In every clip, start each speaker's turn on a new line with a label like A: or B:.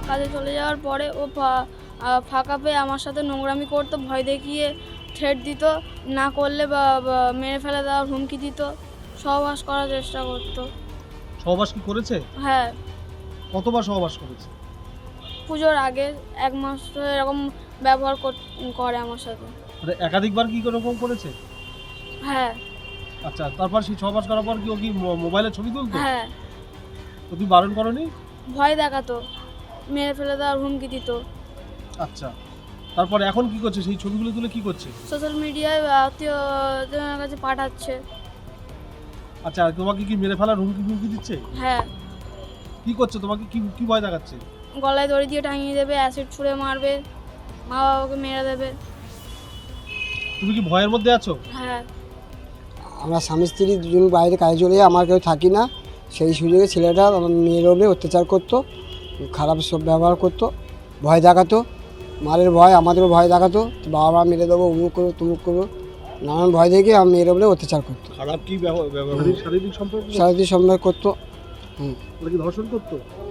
A: কাজে চলে যাওয়ার পরে ও ফাঁকা পেয়ে আমার সাথে নোংরামি করতো, ভয় দেখিয়ে থ্রেট দিত, না করলে বা মেরে ফেলে দেওয়ার হুমকি দিত, সহবাস করার চেষ্টা করতো।
B: সহবাস কি করেছে?
A: হ্যাঁ,
B: কতবার সহবাস করেছে?
A: পুজোর আগে 1 মাস ধরে এরকম ব্যবহার করে আমার সাথে।
B: মানে একাধিকবার কি এরকম করেছে?
A: হ্যাঁ।
B: আচ্ছা, তারপর সেই সহবাস করার পর কি ও কি মোবাইলে ছবি তুলতো?
A: হ্যাঁ,
B: তো তুমি বারণ করনি?
A: ভয় দেখাতো, মেরে ফেলে দেওয়ার হুমকি দিত।
B: আচ্ছা, তারপর এখন কি করছে? সেই ছবিগুলো তুলে কি করছে?
A: সোশ্যাল মিডিয়ায় আত্মীয়জনের কাছে পাঠাচ্ছে।
B: আচ্ছা, তোমাকে কি মেরে ফেলার হুমকি দিচ্ছে?
A: হ্যাঁ,
B: কি করছে? তোমাকে কি ভয় দেখাচ্ছে?
A: গলায় দড়ি দিয়ে টাঙিয়ে দেবে, অ্যাসিড ছুঁড়ে মারবে, মা বাবাকে মেরে দেবে।
B: তুমি কি ভয়ের মধ্যে আছো?
A: হ্যাঁ।
C: আমরা স্বামী স্ত্রী দুজন বাইরে কাজে চলে যাই, আমার কেউ থাকি না। সেই সুযোগে ছেলেটা আমার মেয়ের ওপরে অত্যাচার করতো, খারাপ সব ব্যবহার করতো, ভয় দেখাতো, মারের ভয়, আমাদেরও ভয় দেখাতো, বাবা মা মেরে দেবো, উমুক করবো তুমুক করবো, নানান ভয় দেখে আমার মেয়ের ওপরে অত্যাচার করতো।
B: খারাপ কি শারীরিক সম্পর্ক?
C: শারীরিক সম্পর্ক করতো।
B: নাকি ধর্ষণ করতো?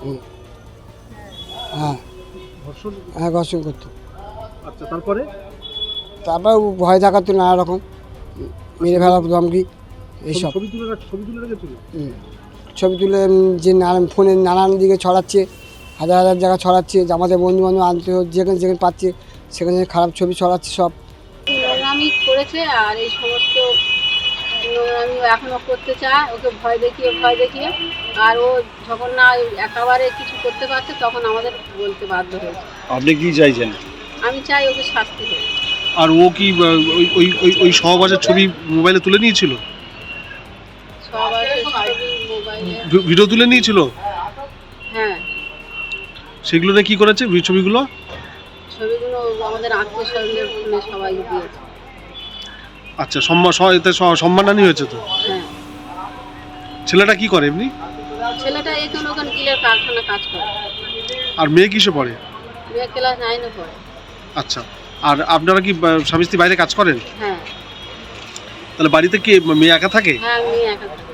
C: হ্যাঁ
B: ধর্ষণ?
C: হ্যাঁ, ঘর্ষণ করতো।
B: আচ্ছা, তারপর
C: ভয় দেখাতো নানা রকম, মেরে ফেলার ধমকি এইসব।
B: ছবি তুলে রেখেছিল?
C: ছবি তুলে যে ফোনে নানান দিকে ছড়াচ্ছে, হাজার হাজার জায়গা ছড়াচ্ছে, যে আমাদের বন্ধু বান্ধব আনতে যেখানে যেখানে পাচ্ছে সেখানে খারাপ ছবি ছড়াচ্ছে সব।
D: নোংরামি করেছে, আর এই সমস্ত নোংরামি এখনও করতে চায়, ওকে ভয় দেখিয়ে আর ও যখন না একেবারে কিছু করতে পারছে তখন আমাদের বলতে বাধ্য হয়েছে।
B: আপনি কি চাইছেন?
D: আমি চাই ওকে শাস্তি হোক।
B: আর ও কি ওই সহবাসের ছবি মোবাইলে তুলে নিয়েছিল?
D: সবাই মোবাইলে
B: ভিডিও তুলে নিয়েছিল?
D: হ্যাঁ,
B: সেগুলো নিয়ে কি করেছে ছবিগুলো?
D: ছবিগুলো আমাদের আত্মীয় স্বজনদের ফোনে সবাই দিয়েছে।
B: আচ্ছা, সম্মানহানি হয়েছে তো?
D: হ্যাঁ।
B: ছেলেটা কি করে এমনি?
D: ছেলেটা এখানে ওখানে গিলের কারখানা কাজ করে।
B: আর মেয়ে কিসে পড়ে?
D: মেয়ে ক্লাস 9-এ পড়ে।
B: আচ্ছা, আর আপনারা কি স্বামী স্ত্রী বাইরে কাজ করেন?
D: হ্যাঁ।
B: তাহলে বাড়িতে কি মেয়ে একা থাকে?
D: হ্যাঁ, মেয়ে একা থাকে।